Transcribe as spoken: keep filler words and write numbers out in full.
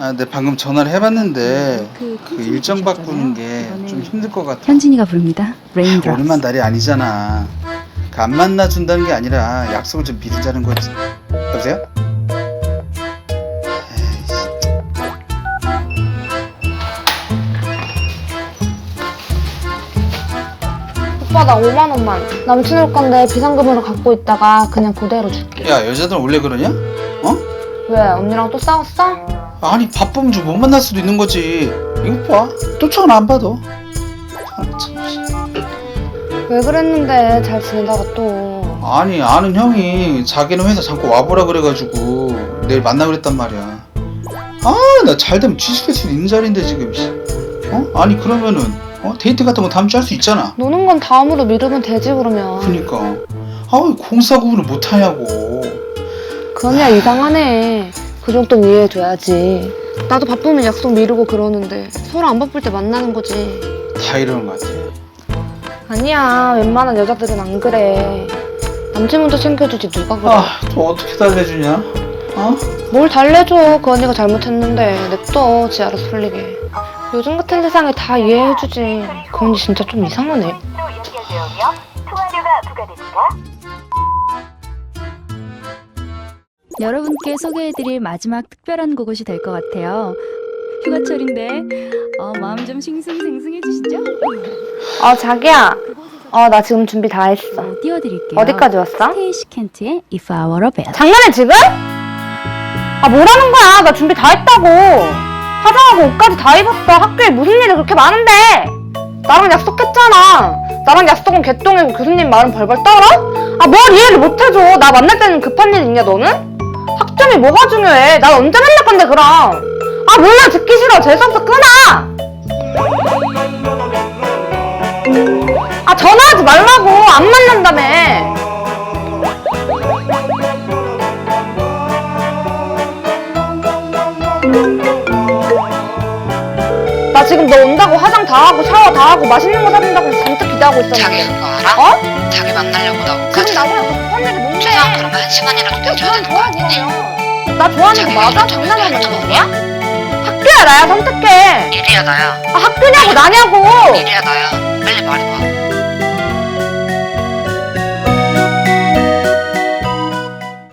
아, 네 방금 전화를 해봤는데 그, 그 일정 바꾸는 게 좀 힘들 것 같아. 현진이가 부릅니다. Raindrops. 오늘만 날이 아니잖아. 그 안 만나준다는 게 아니라 약속을 좀 미루자는 거지. 여보세요? 에이씨. 오빠 나 오만 원만 남친 올 건데 비상금으로 갖고 있다가 그냥 그대로 줄게. 야 여자들 원래 그러냐? 어? 왜 언니랑 또 싸웠어? 아니 바쁘면 좀 못 만날 수도 있는 거지. 이거 봐. 또 전화 안 받아. 아, 참. 왜 그랬는데 잘 지내다가 또. 아니 아는 형이 자기는 회사 잠깐 와보라 그래가지고 내일 만나 그랬단 말이야. 아 나 잘되면 취직할 수 있는 자리인데 지금. 어? 아니 그러면은 어? 데이트 같은 거 다음 주에 할 수 있잖아. 노는 건 다음으로 미루면 되지 그러면. 그니까 아 왜 공사 구분을 못하냐고. 그 언니가 이상하네. 그 정도 이해해줘야지. 나도 바쁘면 약속 미루고 그러는데 서로 안 바쁠 때 만나는 거지. 다 이러는 것 같아. 아니야 웬만한 여자들은 안 그래. 남친 먼저 챙겨주지 누가 그래. 아 또 어떻게 달래주냐? 어? 뭘 달래줘. 그 언니가 잘못했는데 냅둬 지 알아서 풀리게. 요즘 같은 세상에 다 이해해주지. 그 언니 진짜 좀 이상하네. 연결되오며 통화료가 부과됩니다. 여러분께 소개해드릴 마지막 특별한 그곳이 될 것 같아요. 휴가철인데 어, 마음 좀 싱숭생숭해지시죠? 어 자기야. 어 나 지금 준비 다 했어. 어, 띄워드릴게요. 어디까지 왔어? 스테이시 켄트의 If I Were a Bell. 장난해 지금? 아 뭐라는 거야. 나 준비 다 했다고. 화장하고 옷까지 다 입었어. 학교에 무슨 일이 그렇게 많은데. 나랑 약속했잖아. 나랑 약속은 개똥이고 교수님 말은 벌벌 떨어? 아 뭘 이해를 못해줘. 나 만날 때는 급한 일 있냐 너는? 학점이 뭐가 중요해. 난 언제 만날 건데 그럼. 아 몰라 듣기 싫어. 재수없어 끊어. 아 전화하지 말라고. 안 만난다며. 나 지금 너 온다고 화장 다 하고 샤워 다 하고 맛있는 거 사준다고 잔뜩 기대하고 있었는데. 자기 그거 알아? 어? 자기 만나려고 나 지금 옷까지 나보다 급한 일이 뭔데? 최소한 그러면 한 시간이라도 내줘야 되는 거 아니니? 나 좋아하는 거 자기가 맞아? 이런 점에서 장난하는 할 거야? 학교야 나야 선택해. 일이야 나야 아 학교냐고 나냐고. 일이야 나야 빨리 말해봐